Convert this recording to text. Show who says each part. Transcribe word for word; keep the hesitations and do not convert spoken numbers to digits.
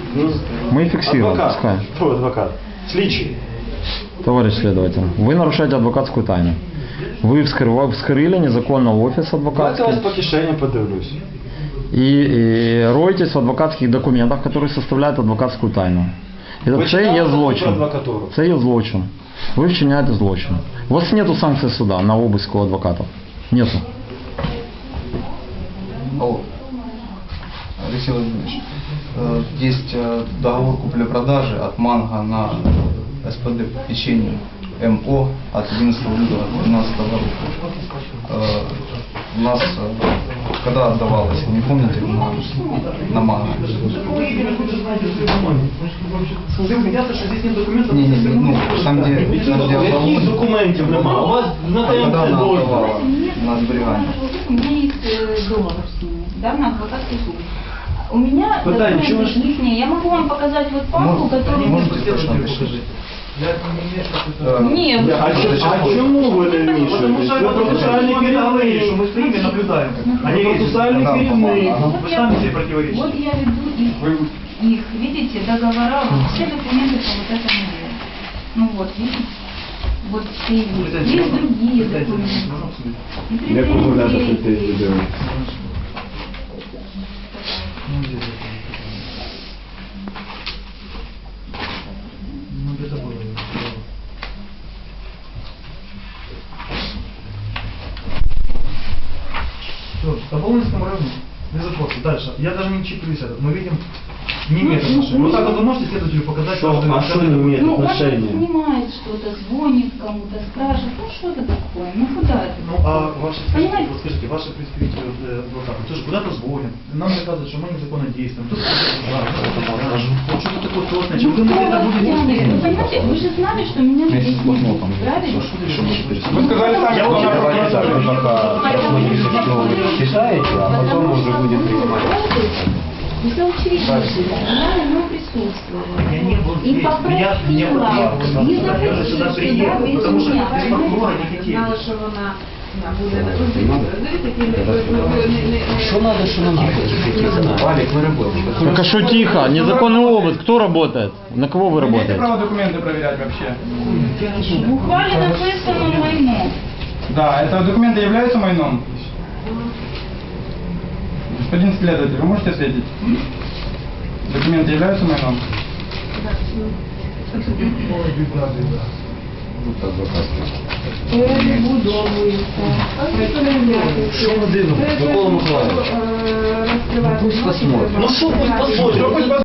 Speaker 1: Мы фиксируем.
Speaker 2: Адвокат.
Speaker 1: Пускай.
Speaker 2: Кто адвокат? Слідчий.
Speaker 1: Товарищ следователь, вы нарушаете адвокатскую тайну. Вы вскрыли, вскрыли незаконно офис
Speaker 2: Давайте
Speaker 1: адвокатский.
Speaker 2: вас по кишені подивлюсь.
Speaker 1: И, и роетесь в адвокатских документах, которые составляют адвокатскую тайну.
Speaker 2: Ви
Speaker 1: Это це
Speaker 2: читали
Speaker 1: є
Speaker 2: про
Speaker 1: злочин.
Speaker 2: адвокатуру?
Speaker 1: Це є злочин. Ви вчиняєте злочин. У вас нету санкций суда на обыск у адвокатов. Нету.
Speaker 3: Алло. Алексей Владимирович, э, есть э, договор купли-продажи от Манго на СПД печенье МО от одиннадцатого лютого две тысячи двенадцатого года. Э, у нас, э, когда отдавалось, не помните, на, на Манго? Не, не, не, ну, там где, там, где
Speaker 2: Яких
Speaker 3: отдавалось,
Speaker 2: документів нема? У вас на
Speaker 3: а когда она
Speaker 2: ТМЦ
Speaker 3: отдавала на сберегание?
Speaker 4: У меня есть э, договор с ними, да, на адвокатский суд. У меня
Speaker 2: Пытаюсь,
Speaker 4: документы
Speaker 2: чего ж-
Speaker 4: лишние. Я могу вам показать вот папку,
Speaker 3: Может,
Speaker 4: которую...
Speaker 3: можете точно написать? Э,
Speaker 4: Нет.
Speaker 3: я
Speaker 2: А,
Speaker 3: просто
Speaker 2: чё-
Speaker 3: сейчас
Speaker 2: а
Speaker 3: позже.
Speaker 2: чому ви не вмішуєтесь?
Speaker 5: Потому что
Speaker 2: Ви
Speaker 5: это
Speaker 2: процесуальний керівник.
Speaker 5: что мы стоим и наблюдаем.
Speaker 2: Они процесуальный
Speaker 3: Да,
Speaker 2: керівник.
Speaker 3: ага.
Speaker 4: Вот
Speaker 5: Вы
Speaker 4: я-
Speaker 5: сами себе противоречите.
Speaker 4: Вот я веду их, их, видите, договора, вот все документы по вот этому делу. Ну вот, видите? Вот все есть. Есть другие документы. И
Speaker 2: Як розмовляти
Speaker 4: претензии
Speaker 2: про ці
Speaker 4: есть.
Speaker 2: відео?
Speaker 5: Ну, где-то было. Все, по Волынскому району, без вопросов. Дальше. Я даже не чиплюсь этот. Мы видим, не имеет
Speaker 4: Ну,
Speaker 5: отношения.
Speaker 4: ну,
Speaker 5: Вот так вот вы можете следователю показать,
Speaker 2: Что?
Speaker 5: каждый-
Speaker 2: А что
Speaker 5: каждый
Speaker 2: не
Speaker 5: документ?
Speaker 2: имеет?
Speaker 4: Ну, он
Speaker 2: отношения.
Speaker 4: снимает что-то, звонит кому-то, спрашивает, ну что это такое, ну куда это?
Speaker 5: Ну, а ваши, скажите,
Speaker 4: Понимаете?
Speaker 5: вот скажите, ваши представители э, адвокаты, тоже куда-то звонят, нам рассказывают, что мы незаконно действуем, тут вот что-то такое сложное, чем вы
Speaker 4: Ну,
Speaker 5: это
Speaker 4: вы
Speaker 5: будете
Speaker 4: понимаете, вы же знали, что меня здесь нет, правильно?
Speaker 2: Вы сказали сами,
Speaker 5: Я
Speaker 2: что
Speaker 5: очень
Speaker 2: надо
Speaker 5: хорошо
Speaker 2: продать,
Speaker 5: знаю.
Speaker 2: пока посмотрите, что вы читаете, а потом мы уже будем принимать.
Speaker 4: Все учредители, я на нем присутствовала.
Speaker 5: Я не был
Speaker 4: И
Speaker 5: здесь.
Speaker 4: попросила,
Speaker 5: Меня- меня вот
Speaker 4: не
Speaker 5: я же сюда
Speaker 4: заходите
Speaker 5: приехал,
Speaker 4: сюда без
Speaker 5: потому что
Speaker 4: меня.
Speaker 5: без прокурора не хотели.
Speaker 6: Знала, що вона буде на конфлікті.
Speaker 7: Что надо, что нам делать?
Speaker 2: Валик, мы работаем.
Speaker 1: Так а что тихо? Незаконный обыск. Кто работает? На кого вы
Speaker 8: Имеете
Speaker 1: работаете?
Speaker 8: право документы проверять вообще?
Speaker 4: В ухвале написано майно.
Speaker 8: Да, это документы являются майном? Господин следователь, вы можете ответить? Документы являются майном?
Speaker 6: Перебудовується.
Speaker 7: Що ми дивимося? Микола Миколаївич,
Speaker 6: Розкривати.
Speaker 7: пусть посмотрим.
Speaker 2: Ну что пусть посмотрим?